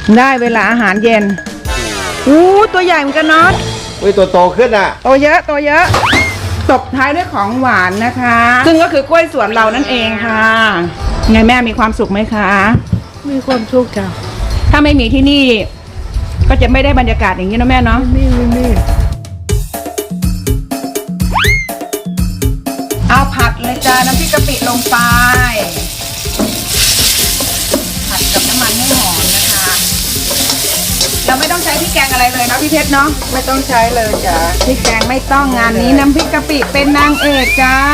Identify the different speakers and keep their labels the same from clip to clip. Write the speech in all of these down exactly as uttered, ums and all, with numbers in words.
Speaker 1: ได้เวลาอาหารเย็นอู้ตัวใหญ่เหมือนกันเนาะ
Speaker 2: อุ้ยตัวโตขึ้นอ่ะ
Speaker 1: โตเยอะโตเยอะตบท้ายด้วยของหวานนะคะ ซึ่งก็คือกล้วยสวนเรานั่นเองค่ะไงแม่มีความสุขไหมคะ
Speaker 3: มีความสุขจ้ะ
Speaker 1: ถ้าไม่มีที่นี่ ก็จะไม่ได้บรรยากาศอย่างนี้นะแม่เนาะ
Speaker 3: นี่นี่นี่
Speaker 1: เอาผัดเลยจ้าน้ำพริกกะปิลงไปผัดกับน้ำมันให้หอมนะคะ เราไม่ต้องใช้พริกแกงอะไรเลยเนาะพี่เพชรเนาะ
Speaker 3: ไม่ต้องใช้เลยจ้ะ
Speaker 1: พริกแกงไม่ต้องงานนี้น้ำพริกกะปิเป็นนางเอกจ้า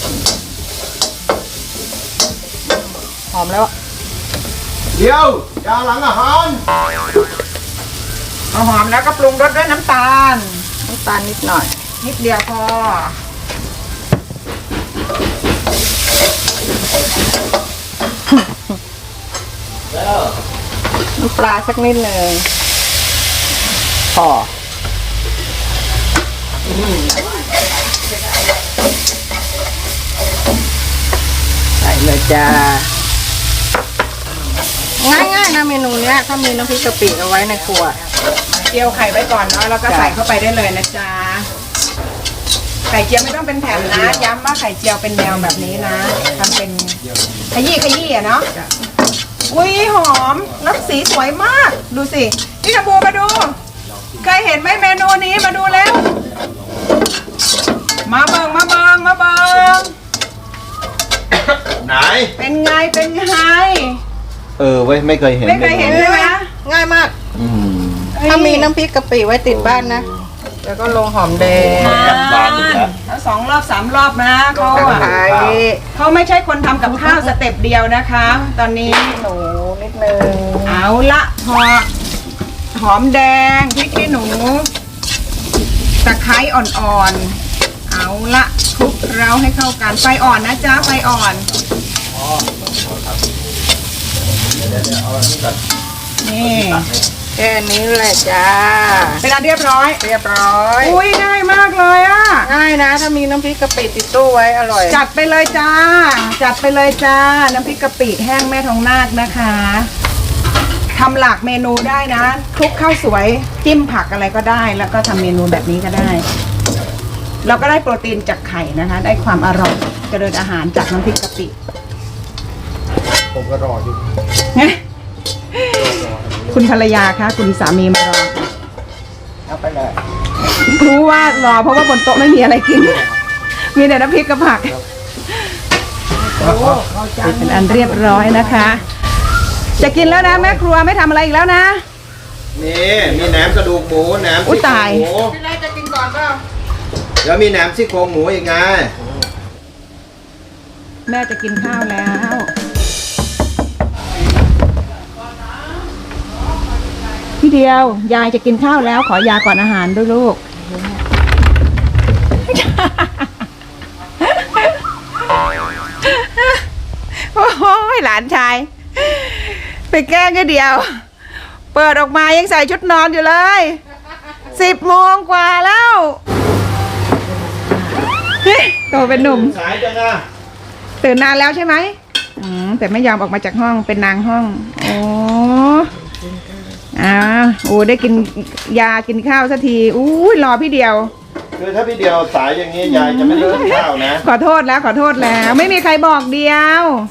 Speaker 3: หอมแล้ว
Speaker 2: เดี๋ยวจานหลังอาหาร
Speaker 1: เอาหอมแล้วก็ปรุงรสด้วยน้ำตาล
Speaker 3: น้ำตาลนิดหน่อย
Speaker 1: นิดเดียวพอ
Speaker 3: น้ำปลาสักนิดหนึ่งพอใส่เลยจ้าง่ายๆนะเมนูเนี้ยถ้ามีน้ำพริกกะปิเอาไว้ในครัว
Speaker 1: เจียวไข่ไว้ก่อนเนาะแล้วก็ใส่เข้าไปได้เลยนะจ๊ะไข่เจียวไม่ต้องเป็นแผ่นนะย้ำว่าไข่เจียวเป็นแนวแบบนี้นะทำเป็นขยี้ขยี้อะเนาะอุ้ยหอมแล้วสีสวยมาก ดูสิพี่กระบูมาดูเคยเห็นไหมเมนูนี้มาดูแล้ว มาเบิงมาเบิงมาเบิง
Speaker 2: ไหน
Speaker 1: เป็นไงเป็นไง
Speaker 2: เออเว้ยไม่เคยเห็น
Speaker 1: ไม่เคยเห็นใช่ไหม
Speaker 3: ง่ายมาก
Speaker 2: อืม
Speaker 3: ถ้ามีน้ำพริกกะปิไว้ติดบ้านนะ แล้วก็ลงหอมแดง
Speaker 2: กลับบ้านอีกแล้ว
Speaker 1: แล้วสองรอบสามรอบนะเขา
Speaker 3: ตะ
Speaker 1: อะ
Speaker 3: ไคร้
Speaker 1: เขาไม่ใช่คนทำกับข้าวสเต็ปเดียวนะคะ ตอนนี้
Speaker 3: หนูนิดนึง
Speaker 1: เอาละพอหอมแดงพริกขี้หนูตะไคร้อ่อนๆเอาละคลุกเคล้าให้เข้ากันไฟอ่อนนะจ๊ะไฟอ่อนนี่
Speaker 3: แค่นี้แหละจ้า
Speaker 1: เป็นอันเรียบร้อย
Speaker 3: เรียบร้อย
Speaker 1: อุ้ยง่ายมากเลยอะ
Speaker 3: ง่ายนะ ถ้ามีน้ำพริกกะปิติดตู้ไว้อร่อย
Speaker 1: จัดไปเลยจ้า จัดไปเลยจ้า น้ำพริกกะปิแห้งแม่ทองนาคนะคะทำหลากเมนูได้นะคลุกข้าวสวยจิ้มผักอะไรก็ได้ แล้วก็ทำเมนูแบบนี้ก็ได้ เราก็ได้โปรตีนจากไข่นะคะ ได้ความอร่อยเจริญอาหารจากน้ำพริกกะปิ
Speaker 2: ผมก็รออยู่
Speaker 1: คุณภรรยาคะคุณสามีมารอ
Speaker 3: เอาไปเลย
Speaker 1: รู้ว่ารอเพราะว่าบนโต๊ะไม่มีอะไรกิน มีแต่น้ำพริกกับผักเป็นอันเรียบร้อยนะคะ จะกินแล้วนะแม่ครัวไม่ทำอะไรอีกแล้วนะ
Speaker 2: นี่มีแหนมกระดูกหมูแหนม
Speaker 1: อุ๊
Speaker 2: ซี่
Speaker 1: ย
Speaker 2: โคร
Speaker 1: ตาย
Speaker 2: งหมู
Speaker 3: พี่ไรจะกินก่อนเปล่า
Speaker 2: เดี๋ยวมีแหนมซี่โครงหมูอีกไง
Speaker 1: แม่จะกินข้าวแล้ว พี่เดียวยายจะกินข้าวแล้วขอยาก่อนอาหารด้วยลูก โอ้ยหลานชาย ไปแกล้งก็เดียว เปิดออกมายังใส่ชุดนอนอยู่เลยสิบโมงกว่าแล้วเฮ้ยโตเป็นหนุ่ม
Speaker 2: สายจังอะ
Speaker 1: ตื่นนานแล้วใช่ไหมอืมแต่ไม่ยอมออกมาจากห้องเป็นนางห้อง โอ้อ่าโอ้ได้กินยากินข้าวสักทีอู้ยรอพี่เดียว
Speaker 2: คือถ้าพี่เดียวสายอย่างนี้ยายจะไม่เลิกข้าวนะ
Speaker 1: ขอโทษแล้วขอโทษแล้ว ไม่มีใครบอกเดียว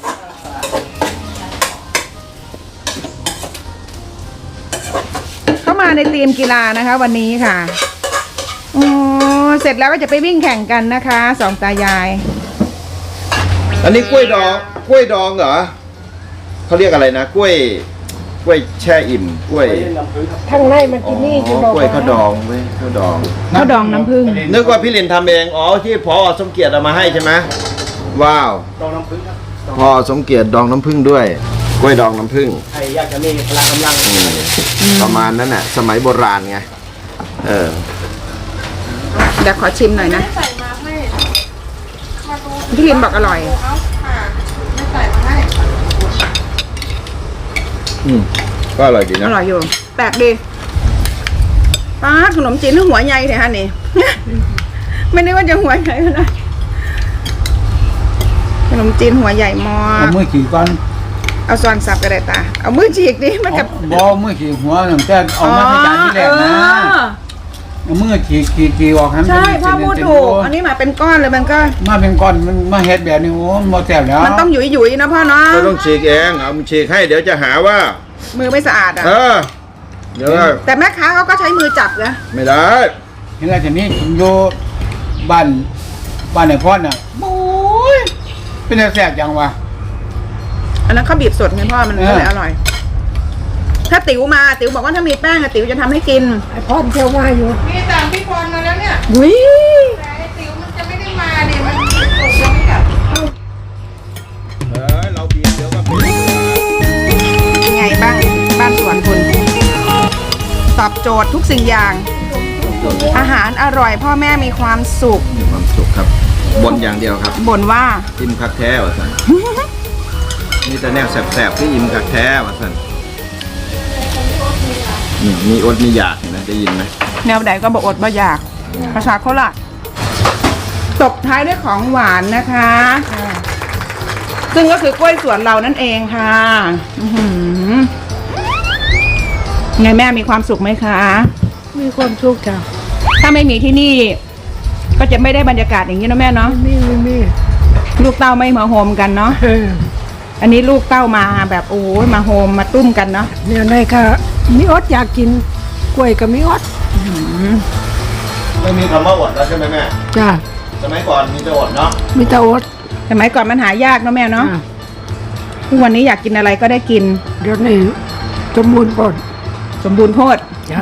Speaker 1: เข้ามาในทีมกีฬานะคะ วันนี้ค่ะโอ้เสร็จแล้วก็จะไปวิ่งแข่งกันนะคะสองตายาย
Speaker 2: อันนี้กล้วยดองกล้วยดองเหรอเขาเรียกอะไรนะกล้วยกล้วยแช่อิ่มกล้วย
Speaker 3: ข้างในมัน
Speaker 2: อ๋
Speaker 3: กิ
Speaker 2: อน
Speaker 3: นี่จะ
Speaker 2: กล้วยข้าวดองเว้ยข้าวดอง
Speaker 1: ข้าวดองน้ำผึ้ง
Speaker 2: นึกว่าพี่ลินทำเองอ๋อที่พอสมเกียรติเอามาให้ใช่ไหมว้าวดองน้ำผึ้งพอสมเกียรติดองน้ำผึ้งด้วยกล้วยดองน้ำผึ้ง
Speaker 4: ใครอยากจะมีพลังกำลัง
Speaker 2: อืมประมาณนั้นน่ะสมัยโบราณไงเออ
Speaker 1: เดี๋ยวขอชิมหน่อยนะ
Speaker 3: ใส่มาให้
Speaker 1: พี่ลินบอกอร่อย
Speaker 3: เอาค่ะไม่ใส่มาให้
Speaker 2: อืมก็อร่อยดี
Speaker 1: อ
Speaker 2: นะ
Speaker 1: ร่อยอยู่แปลกดีป้าดขนมจีนหัวใหญ่เลยฮะนี่ ไม่นึกว่าจะหัวใหญ่ขนาดขนมจีนหัวใหญ่มาก
Speaker 4: เอามือขี่ก่อน
Speaker 1: เอาซอนสับก็ได้ตาเอามือฉีกดิมันกับ
Speaker 4: บ่มือขีดหัวหนึ่งแต่เอามาให้จานที่แรกนะเอามือขีดขีดขีดออกให้มัน
Speaker 1: ใช่
Speaker 4: เป็น
Speaker 1: พ่อพูด
Speaker 4: เป็น
Speaker 1: ถูก
Speaker 4: โล
Speaker 1: อันนี้มาเป็นก้อนเลยมันก็
Speaker 4: มาเป็นก้อนมันมาเฮ็ดแบบนี้โอ้มันบ่แซ่บแล้ว
Speaker 1: มันต้องหยุยหยุยๆนะพ่อเนาะ
Speaker 2: ก็ต้องฉีกเองเอามาฉีกให้เดี๋ยวจะหาว่า
Speaker 1: มือไม่สะอาดอ่ะ
Speaker 2: เออเดี๋ยว
Speaker 1: แต่แม่ค้าเขาก็ใช้มือจับนะ
Speaker 2: ไม่ได้
Speaker 4: เห็นแล้วทีนี้ผมอยู่บ้านบ้านไหนพ่อน่ะโอ้ยเป็นแต่แซ่บจังวะ
Speaker 1: อันนั้นเขาบีบสดไงพ่อมัน
Speaker 4: เออ
Speaker 1: ก็เลยอร่อย ถ้าติ๋วมาติ๋วบอกว่าถ้ามีแป้งอะติ๋วจะทำให้กิน
Speaker 3: ไอพ่อเที่ยวมาอยู่
Speaker 1: มีตามพี่พรมาแล้วเนี่ย
Speaker 3: วิ
Speaker 1: แต่ไอ้ติ๋วมันจะไม่ได้มาเนี่ยมันตกยังไม่กลับ
Speaker 2: เออเราบีบเดี๋ยวก็เป็น
Speaker 1: ยังไงบ้างบ้านสวนคุณตอบโจทย์ทุกสิ่งอย่าง อาหารอร่อยพ่อแม่มีความสุข
Speaker 2: มีความสุขครับบนอย่างเดียวครับ
Speaker 1: บ่นว่า
Speaker 2: อิ่มคักแท้วะสัน นี่แต่แนวแสบๆที่อิ่มคักแท้วะสันนี่มีอดมีอยากเห็นะได้ยินไหม
Speaker 1: แนวใดก็บอกอดบ่อยากภาษาโคราชตบท้ายด้วยของหวานนะคะ ซึ่งก็คือกล้วยสวนเรานั่นเองค่ะอื้อหือไงแม่มีความสุขไหมคะ
Speaker 3: มีความสุขจ้ะ
Speaker 1: ถ้าไม่มีที่นี่ ก็จะไม่ได้บรรยากาศอย่างนี้นะแม่เนาะ
Speaker 3: มีมีมี
Speaker 1: ลูกเต้าไม่มาโฮมกันเนาะ
Speaker 3: เออ
Speaker 1: อันนี้ลูกเต้ามาแบบโอ้ยมาโฮมมาตุ้มกันเนาะ
Speaker 3: เนี่ยนายค่ะมีอดอยากกินกล้วยกับมีอด
Speaker 2: ไม่มีคำว่าอดแล้วใช่ไหมแม่
Speaker 3: จ้ะ
Speaker 2: สมัยก่อนมีแต่อดเนาะ
Speaker 3: มีแต่อด
Speaker 1: สมัยก่อนมันหายากเนาะแม่เนาะ
Speaker 3: จ้ะ
Speaker 1: ทุกวันนี้อยากกินอะไรก็ได้กิน
Speaker 3: เดี๋ยวนี้สมบูรณ์ปน
Speaker 1: สมบูรณ์โพด
Speaker 3: จ้ะ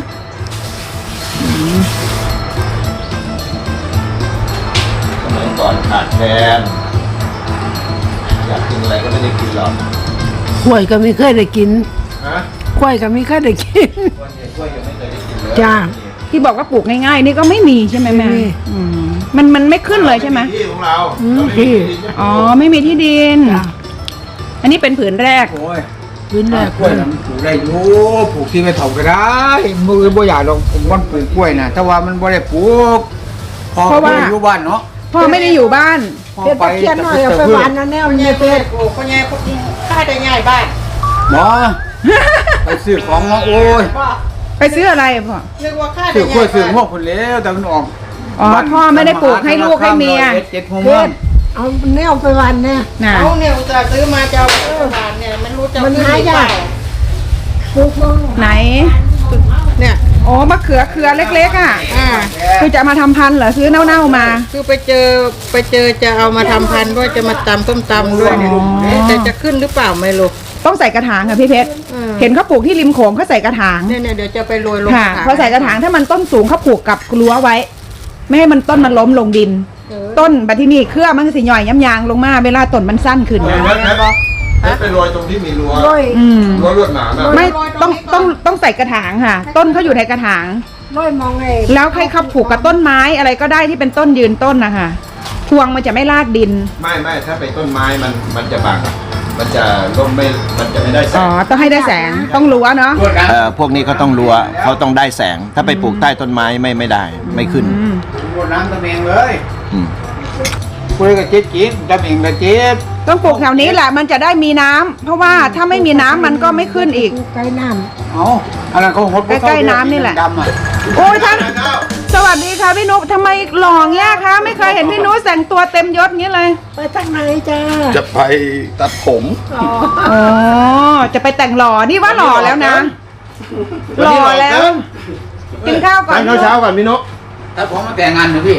Speaker 2: สมัยก่อนขาดแคลนอยากกินอะไรก็ไม่ได้กินหรอก
Speaker 3: กล้วยก็ไม่เคยได้กิน
Speaker 2: ฮะ
Speaker 3: กล้วยก็ไม่เคยได้กิน
Speaker 2: วันเย็นกล้วยยังไม่เคยได้กินเลย
Speaker 3: จ้า
Speaker 1: ที่บอกว่าปลูกง่ายๆ นี่ก็ไม่มีใช่ไหมแม่
Speaker 3: ไม่มี
Speaker 1: อืมมันมันไม่ขึ้นเลยใช่ไหม
Speaker 2: ที่ของเรา
Speaker 3: อืม
Speaker 2: เราไม่มีที่จะปลูก
Speaker 1: อ๋อไม่มีที่ดิน
Speaker 3: จ้ะ
Speaker 1: อันนี้เป็นผืนแรก
Speaker 4: โอ้ย
Speaker 3: วินแรก
Speaker 4: กล้วยน่ะมันปลูกได้อยู่ปลูกที่ไม่เท่าก็ได้มือบ่อยากลองมันปลูกกล้วยนะแต่ว่ามันบ่ได้ปลูกพอ
Speaker 1: เพราะว่า
Speaker 4: อยู่บ้านเนาะ
Speaker 1: พ่อไม่ได้อยู่บ้าน
Speaker 4: พอ
Speaker 3: เดี๋ยว
Speaker 4: ไป
Speaker 3: ตะเคียนหน่อยเอาไปหวานนะแนวนี้เป็ด
Speaker 1: พ่อแง่พ่อข้าได้ง่ายบ้าน
Speaker 4: หมอไปซื้อของมาโอ้ย
Speaker 1: ไปซื้ออะไรพ่อ
Speaker 3: นึกว่าข้า
Speaker 4: ซื้อกล้วยซื้อพวกคนแล้วแต่มันออก
Speaker 1: อ๋อพ่อไม่ได้ปลูกให้ลูกให้เมีย
Speaker 4: เจ็ดโมง
Speaker 3: เป็
Speaker 4: วั
Speaker 3: ด
Speaker 4: น
Speaker 3: เอาแนวไปหวานแน่
Speaker 1: น่ะ
Speaker 5: เอาเนี่ยอุตส่าห์ซื้อมาจะเอาไปทานเนี่ยมันรู้จะ
Speaker 3: มันหายากปลูกบ้าง
Speaker 1: ไหน
Speaker 5: เนี่ย
Speaker 1: อ๋อมะเขือเครือเล็กๆอ่ะ
Speaker 5: อ่า
Speaker 1: คือจะมาทำพันธุ์เหรอซื้อเน่าๆมา
Speaker 5: คือไปเจอไปเจอจะเอามาทำพันธุ์ว่าจะมาตำต้มตำด้วยเนี่ย
Speaker 1: อ๋อ
Speaker 5: แต่จะขึ้นหรือเปล่าไม่รู้
Speaker 1: ต้องใส่กระถางค่ะพี่เพชร
Speaker 5: อืม
Speaker 1: เห็นเขาปลูกที่ริมโขงเขาใส่กระถาง
Speaker 5: เนี่ยเนี่ยเดี๋ยวจะไปโรยลง
Speaker 1: ค่ะ
Speaker 5: กระถาง
Speaker 1: พอใส่กระถางถ้ามันต้นสูงเขาปลูกกับรั้วไว้ ไม่ให้มันต้นมันล้มลงดิน
Speaker 5: เออ
Speaker 1: ต้นบัดที่นี่เครือมันก็สิย่อยย้ำยางลงมาเวลาต้นมันสั้นขึ้น
Speaker 2: เออ
Speaker 1: นะ
Speaker 2: แม่แม่แม่ไปโรยตรงที่มีรั้ว
Speaker 3: ร้อย
Speaker 1: อืม
Speaker 2: รั้วลวดหนามอะ
Speaker 1: ไม่ต้องต้องต้องใส่กระถางค่ะ ต้นเขาอยู่ในกระถาง
Speaker 3: ร้อยมองไง
Speaker 1: แล้วให้เขาผูกกับต้นไม้อะไรก็ได้ที่เป็นต้นยืนต้นนะคะพวงมันจะไม่ลากดิน
Speaker 2: ไม่ไม่ถ้าเป็นต้นไม้มันมันจะบังมันจะร่มไม่มันจะไม่ได้แส
Speaker 1: อ๋อง ต้องให้ได้แสงต้องรั้วเนาะ
Speaker 4: รวดน้
Speaker 2: เอ่อพวกนี้เขาต้องรั้วเขาต้องได้แสง ถ้าไปปลูกใต้ต้นไม้ไม่ไม่ได้ ไม่ขึ้น
Speaker 1: อืม
Speaker 4: ำรวดน้ำตะเมงเลย
Speaker 2: อืม
Speaker 4: กล้วยกับเจ็ดกินตะเมงกับเจ็ด
Speaker 1: ต้องปลูกแถวนี้แหละมันจะได้มีน้ำเพราะว่าถ้าไม่มีน้ำมันก็ไม่ขึ้นอีก
Speaker 3: ปลูไก่น้
Speaker 4: เอาอันนั้นเขาหด
Speaker 1: ใกล้ๆน้ำนี่แหละ
Speaker 4: ดำอ่ะ
Speaker 1: โอ้ยท่านสวัสดีค่ะพี่นุ๊กทำไมหล่อเงี้ยคะไม่เคยเห็นพี่นุ๊กแต่งตัวเต็มยศงี้เลย
Speaker 3: ำไปทางไหนจ้า
Speaker 2: จะไปตัดผม
Speaker 3: อ๋อ
Speaker 1: อ๋อจะไปแต่งหล่อนี่ว่าหล่อแล้วนะ หล่อแล้ว กินข้าวก่อน
Speaker 2: ทานข้าวเช้าก่อนพี่นก
Speaker 4: ถ้าผมมาแต่งงานนะพี่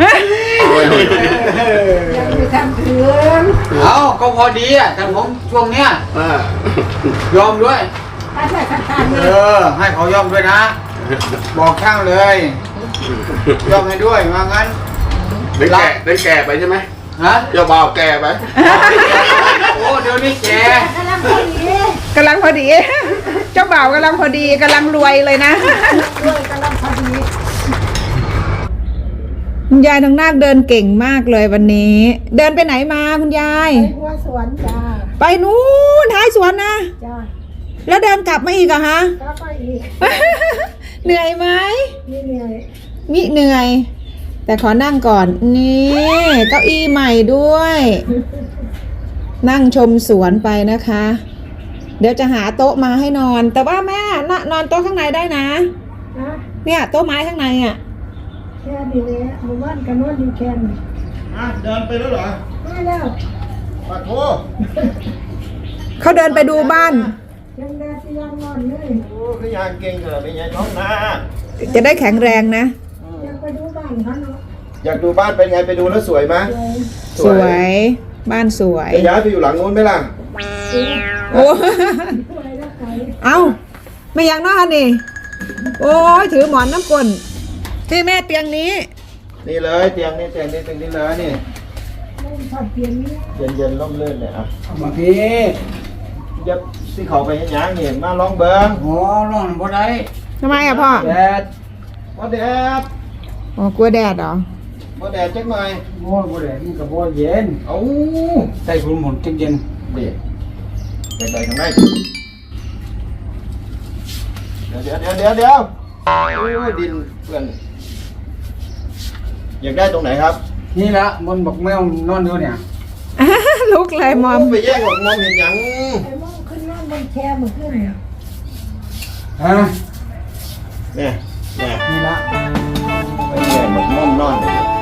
Speaker 3: ยังไม่ทำถึง
Speaker 4: เอาก็พอดีอ่ะแต่ผมช่วงเนี้ยยอมด้วย
Speaker 3: ถ้าใส่ขันขัน
Speaker 4: เออ ให้เขายอมด้วยนะ บอกช่างเลย ยอมให้ด้วยว่างั้น
Speaker 2: ได้แก่ได้แก่ไปใช่ไหม
Speaker 4: ฮะ
Speaker 2: เจ้าบ่าวแก่ไป
Speaker 4: โอ้เดี๋ยวนี้แก
Speaker 3: กำลังพอดี
Speaker 1: กำลังพอดี เจ้าบ่าวกำลังพอดีกำลังรวยเลยนะ
Speaker 3: ด้วยกำลังพอดี
Speaker 1: คุณยายทางนาคเดินเก่งมากเลยวันนี้ เดินไปไหนมาคุณยาย
Speaker 3: ไปหัวสวนจ้า
Speaker 1: ไปนู้นท้ายสวนนะ
Speaker 3: จ้า
Speaker 1: แล้วเดินกลับมาอีกเหรอะฮะ
Speaker 3: ก็ไปอีก
Speaker 1: เหนื่อยไหม
Speaker 3: นี่เหนื่อย
Speaker 1: มิเหนื่อย แต่ขอนั่งก่อน นี่เก้าอี้ใหม่ด้วยนั่งชมสวนไปนะคะ เดี๋ยวจะหาโต๊ะมาให้นอน แต่ว่าแม่นนอนโต๊ะข้างในได้นะเนี่ยโต๊ะไม้ข้างในอ่ะ
Speaker 6: แค่นี้เลยหมู่บ้านกันนอนอยู่แค่นี้
Speaker 2: อ่ะเดินไปแล้วเหรอ
Speaker 6: ไม่แล้ว
Speaker 2: ปะโถ
Speaker 1: เขาเดินไปดูบ้าน
Speaker 6: ยังแดดที่ยังนอนเลย
Speaker 2: โอ้คือยางเก่งเถอะเป็นไงน้องนา
Speaker 1: จะได้แข็งแรงนะ
Speaker 6: ยังไปดูบ้านเขาเนาะ
Speaker 2: อยากดูบ้านเป็นไงไปดูแล้วสวยไหม
Speaker 6: เลย
Speaker 1: สวยบ้านสวย
Speaker 2: จะย้ายไปอยู่หลังนู้นไหมล่ะ
Speaker 1: โอ้
Speaker 6: สวยแล้วไกล
Speaker 1: เอ้าไม่อยากนอนนี่โอ้ยถือหมอนน้ำกลนที่แม่เตียงนี้
Speaker 2: นี่เลยเตียงนี่เตียงนี่เตียงนี่เลยนี่
Speaker 6: เล่นผัดเปลี่ยนนี้
Speaker 2: เย็นเย็นๆร่มรื่นเนี่ยอ่ะ
Speaker 4: บางที
Speaker 2: ยับที่เขาไปเห็นหยังนี่มาลองเบิ้ง
Speaker 4: โอ้ร้อนบ่ได้
Speaker 1: ทำไมอ่ะพ่อ
Speaker 4: แดด
Speaker 2: บ่แดด
Speaker 1: อ๋อกลัวแดดเหรอ
Speaker 2: บ่แดดจักหน่อย
Speaker 4: โอ้บ่ได้มันก็บ่เย็น
Speaker 2: เอ้า
Speaker 4: ใส่คุณหมุนจังเย็น
Speaker 2: เด็ดไปไปทางไหนเดี๋ยวเดี๋ยวเดี๋ยวเดี๋ยวเดี๋ยวโอ้ยดินเปื้อนอยากได้ตรงไหนครับ
Speaker 4: นี่ละบนบักแมวนอนอยู่เนี่ย
Speaker 1: ลุกเลยมอม
Speaker 2: ไปแย่งหรอกมองเห็นหยัง
Speaker 6: ไอ้มองขึ้นนอนบนแคร์มันขึ้น
Speaker 4: ฮะ
Speaker 2: เนี่ยเนี่ย
Speaker 4: นี่ละ
Speaker 2: ไปแย่งหมดม่อมนอน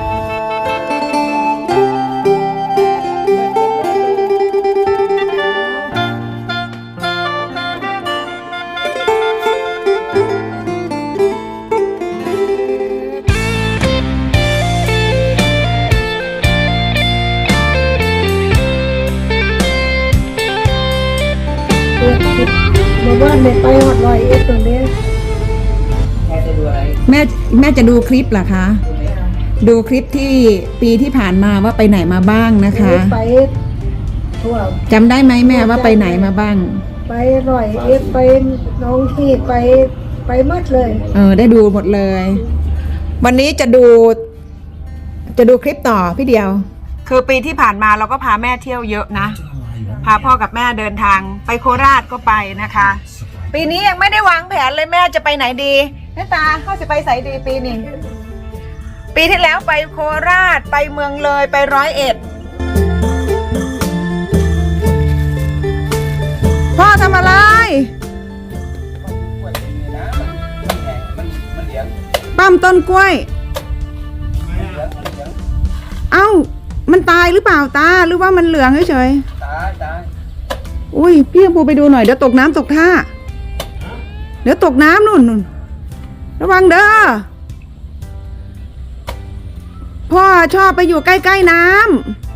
Speaker 6: หมู่บ้านเนี่ยไปหอดลอยเอ็ดตัวนี้
Speaker 4: แม่จะดูอะไร
Speaker 1: แม่แม่จะดูคลิปเหรอคะ ดูคลิปที่ปีที่ผ่านมาว่าไปไหนมาบ้างนะคะ
Speaker 6: ไปทั่ว
Speaker 1: จำได้ไหมแม่ว่าไปไหนมาบ้าง
Speaker 6: ไปลอยเอ็ดไปหน้องที่ไปไปหมดเลย
Speaker 1: เออได้ดูหมดเลย วันนี้จะดูจะดูคลิปต่อพี่เดียว คือปีที่ผ่านมาเราก็พาแม่เที่ยวเยอะนะ พาพ่อกับแม่เดินทางไปโคราชก็ไปนะคะ ปีนี้ยังไม่ได้วางแผนเลยแม่จะไปไหนดีแม่ตาเขาจะไปไสดีปีนี้ปีที่แล้วไปโคราชไปเมืองเลยไปร้อยเอ็ดพ่อทำอะไร ปั้มต้นกล้วย เอ้า มันตายหรือเปล่าตา หรือว่ามันเหลืองเฉย
Speaker 4: ตายตาย
Speaker 1: ๆอุ้ยพี่กัมพูไปดูหน่อยเดี๋ยวตกน้ำตกท่า เดี๋ยวตกน้ำนู่นนู่นระวังเด้อ พ่อชอบไปอยู่ใกล้ๆน้ำ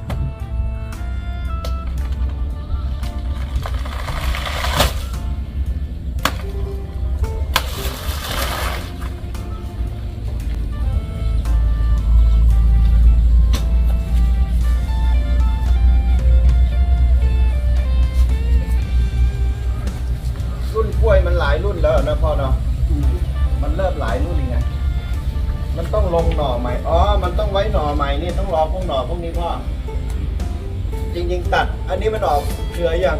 Speaker 2: รุ่นกล้วยมันหลายรุ่นแล้วนะพ่อเนาะมันเริ่มหลายรุ่นไงมันต้องลงหน่อใหม่อ๋อมันต้องไว้หน่อใหม่นี่ต้องรอพวกหน่อพวกนี้พ่อจริงๆตัด อันนี้มันออกเครือยัง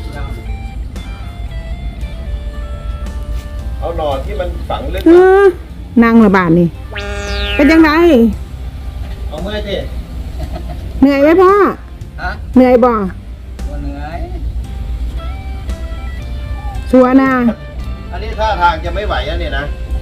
Speaker 2: เอาหน่อที่มันฝังลึก
Speaker 1: เอ
Speaker 2: อะ
Speaker 1: อนั่งระบาดนี่ เป็นยังไง
Speaker 2: เอาเมื่อยสิ
Speaker 1: เหนื่อยไหมพ่อ
Speaker 4: ฮะ
Speaker 1: เหนื่อยบ่
Speaker 4: บ่เหนื่อย
Speaker 1: ชัวร์นะ
Speaker 2: อันนี้ท่าทางจะไม่ไหวแล้วเนี่ยนะ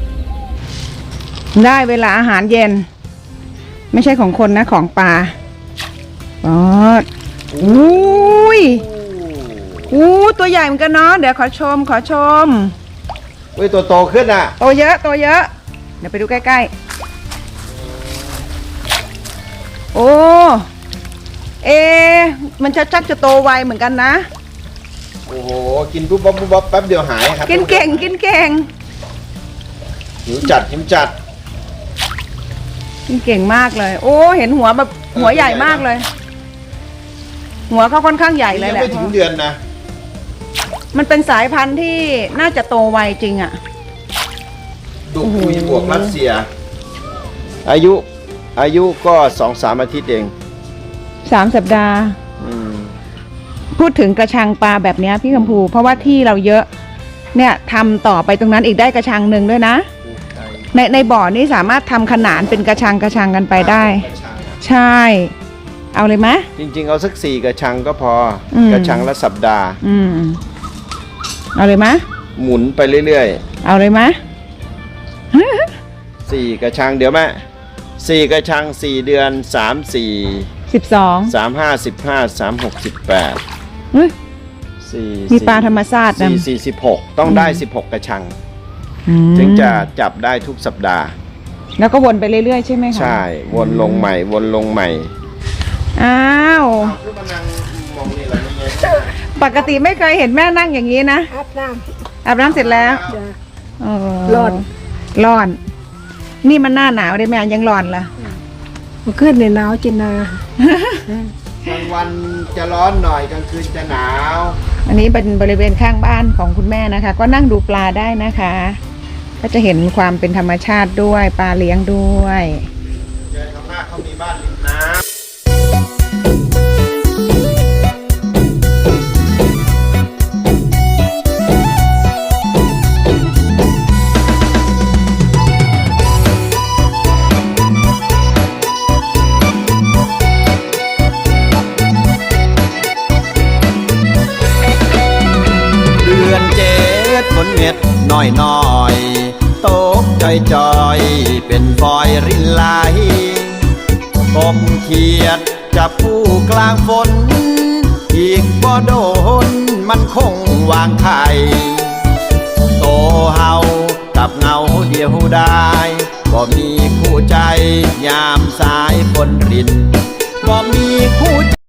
Speaker 1: ได้เวลาอาหารเย็น ไม่ใช่ของคนนะของปลาปอดอุ้ยอู้ตัวใหญ่เหมือนกันเนาะเดี๋ยวขอชมขอชม
Speaker 2: เว้ยตัวโตขึ้นอ่ะ
Speaker 1: โตเยอะโตเยอะ เดี๋ยวไปดูใกล้ๆ โอ้ เอะมันจะชักจะโตไวเหมือนกันนะ
Speaker 2: โอ้โหกินปุ๊บบ๊อบปุ๊บบ๊อบแป๊บเดียวหายครับ
Speaker 1: กินเก่งกินเก่ง
Speaker 2: หิวจัดหิวจัด
Speaker 1: กินเก่งมากเลย โอ้เห็นหัวแบบหัวใหญ่มากเลย หัวเขาค่อนข้างใหญ่เลย
Speaker 2: ยัง
Speaker 1: แหละ
Speaker 2: ไม่ถึงเดือนนะ
Speaker 1: มันเป็นสายพันธุ์ที่น่าจะโตไวจริงอะ
Speaker 2: ดูคุยบวกรัสเซีย อายุ อายุก็สองสามอาทิตย์เอง
Speaker 1: สามสัปดาห์
Speaker 2: อืม
Speaker 1: พูดถึงกระชังปลาแบบเนี้ยพี่คำพูเพราะว่าที่เราเยอะ เนี่ยทำต่อไปตรงนั้นอีกได้กระชังหนึ่งด้วยนะ ในในบ่อนี้สามารถทำขนานเป็นกระชังกระชังกันไปได้ ใช่เอาเลยมะ
Speaker 2: จริงๆเอาสักสี่กระชังก็พออ
Speaker 1: ม
Speaker 2: กระชังละสัปดาห์
Speaker 1: อืมเอาเลยมะ
Speaker 2: หมุนไปเรื่อย
Speaker 1: เอาเลยมะ
Speaker 2: ๆสี่กระชังเดี๋ยวแม่สี่กระชังสี่เดือนสามสี่
Speaker 1: สิบสอง
Speaker 2: สามห้าสิบห้าสามหกสิบแปด
Speaker 1: เฮ้ย
Speaker 2: สี่
Speaker 1: มีปลาธรรมชาตินะ
Speaker 2: สี่สี่สิบหกต้องได้สิบหกกระชัง
Speaker 1: อืม
Speaker 2: ถึงจะจับได้ทุกสัปดาห์
Speaker 1: แล้วก็วนไปเรื่อยๆใช่ไหมคะ
Speaker 2: ใช่ วนลงใหม่ วนลงใหม่
Speaker 1: อ้าว
Speaker 2: ขึ้นมานั่งมองนี่แหละนี่ไง
Speaker 1: ปกติไม่เคยเห็นแม่นั่งอย่างนี้นะ
Speaker 6: อาบน้
Speaker 1: อาบน้ำเสร็จแล้ว
Speaker 6: ำจ้ะ
Speaker 1: เออ
Speaker 6: ร้อน
Speaker 1: ร้อน นี่มันหน้าหนาวได้แม่ยังร้อนละ
Speaker 6: มันขึ้นในหนาวจินนาก
Speaker 2: ลางวันจะร้อนหน่อยกลางคืนจะหนาว
Speaker 1: อันนี้เป็นบริเวณข้างบ้านของคุณแม่นะคะ ก็นั่งดูปลาได้นะคะ ก็จะเห็นความเป็นธรรมชาติด้วยปลาเลี้ยงด้วย
Speaker 2: เจอข้างหน้าเขามีบ้านริมน้ำ เดือนเจ็ดฝนเม็ดน้อยน้อยตกจอยจอยเป็นฟอยรินไหลกบเขียดจับผู้กลางฝน อีกบ่โดนมันคงวางไข่โตเฮากับเงาเดียวได้บ่มีคู่ใจยามสายฝนรินบ่มีคู่